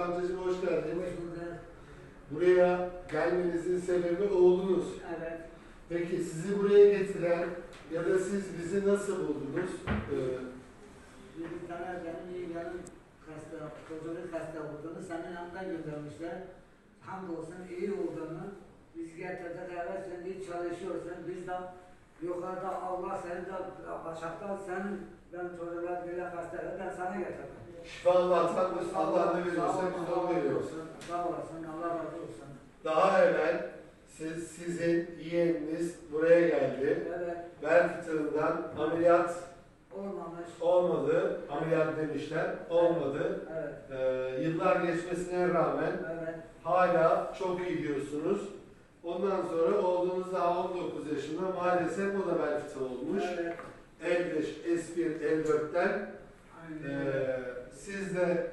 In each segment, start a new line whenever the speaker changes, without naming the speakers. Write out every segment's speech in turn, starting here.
amcacığım hoş geldiniz.
Hoş bulduk.
Buraya gelmenizin sebebi oğlunuz.
Evet.
Peki sizi buraya getiren ya da siz bizi nasıl buldunuz?
Bir tane benim yeğenim hasta, çocuğun hasta olduğunu senin yanına göndermişler. Hamdolsun iyi olduğunu biz getirdik, evet sen iyi çalışıyorsun. Biz de yukarıda Allah seni de aşağıda senin ben çocuklar böyle hasta, ben sana getirdim.
Şifa Allah'tan, Allah ne veriyorsa biz onu veriyoruz.
Sağ olasın, Allah razı olsun.
Daha evvel sizin yeğeniniz buraya geldi.
Evet.
Bel fıtığından ameliyat
Olmamış.
olmadı. Ameliyat demişler. Olmadı.
Evet.
Yıllar geçmesine rağmen
Evet.
hala çok iyi diyorsunuz. Ondan sonra oğlunuz daha 19 yaşında maalesef o da bel fıtığı olmuş.
Evet.
L5, S1, L4'ten siz de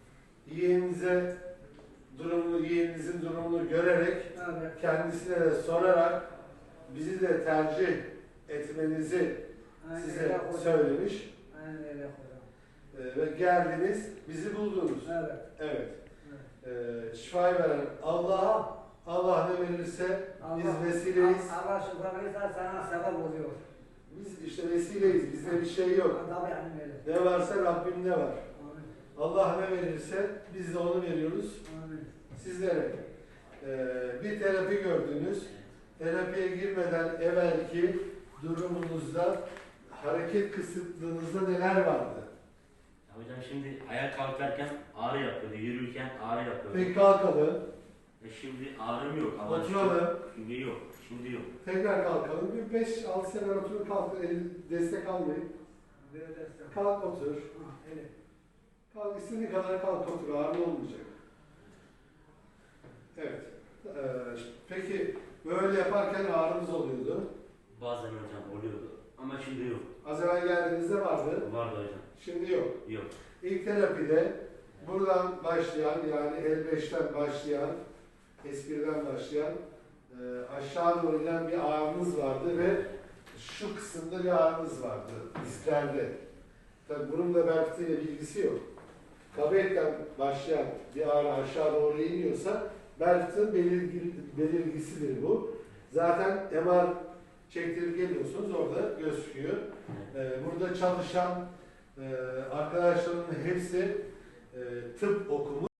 yeğeninizin durumunu görerek
Evet.
kendisine de sorarak bizi de tercih etmenizi
Aynen
size
öyle hocam.
söylemiş
Aynen öyle hocam.
ve geldiniz, bizi buldunuz.
Evet.
Evet.
Evet.
Şifayı veren Allah ne verirse biz vesileyiz.
Allah şükür verirse sana sebep oluyor.
Biz işte vesileyiz. Bizde bir şey yok.
Tabii yani öyle.
Ne varsa Rabbimde var.
Amin.
Allah ne verirse biz de onu veriyoruz
Amin.
sizlere. Bir terapi gördünüz. Terapiye girmeden evvelki durumunuzda, hareket kısıtlığınızda neler vardı?
Ya hocam şimdi ayağa kalkarken ağrı yapıyordu, yürürken ağrı yapıyordu.
Peki kalkalım.
Şimdi ağrım yok ama
Oturalım.
şimdi yok, şimdi yok.
Tekrar kalkalım. Bir 5-6 sene oturun kalkın. Destek almayın.
Böyle destek.
Kalk otur.
Ha, öyle.
Kalk istediğin kadar kalk otur. Ağrı olmayacak. Evet. Peki böyle yaparken ağrınız oluyordu.
Bazen hocam oluyordu ama şimdi yok.
Az evvel geldiğinizde vardı.
Vardı hocam.
Şimdi yok.
Yok.
İlk terapide buradan başlayan yani L5'ten başlayan, S1'den başlayan aşağı doğru inen bir ağrınız vardı ve şu kısımda bir ağrınız vardı dizlerde. Tabii bunun da bel fıtığıyla bilgisi yok. Kabetten başlayan bir ağrı aşağı doğru iniyorsa bel fıtığın belirgisidir bu. Zaten MR çektirip geliyorsunuz orada gözüküyor. Burada çalışan arkadaşlarımın hepsi tıp okumuş.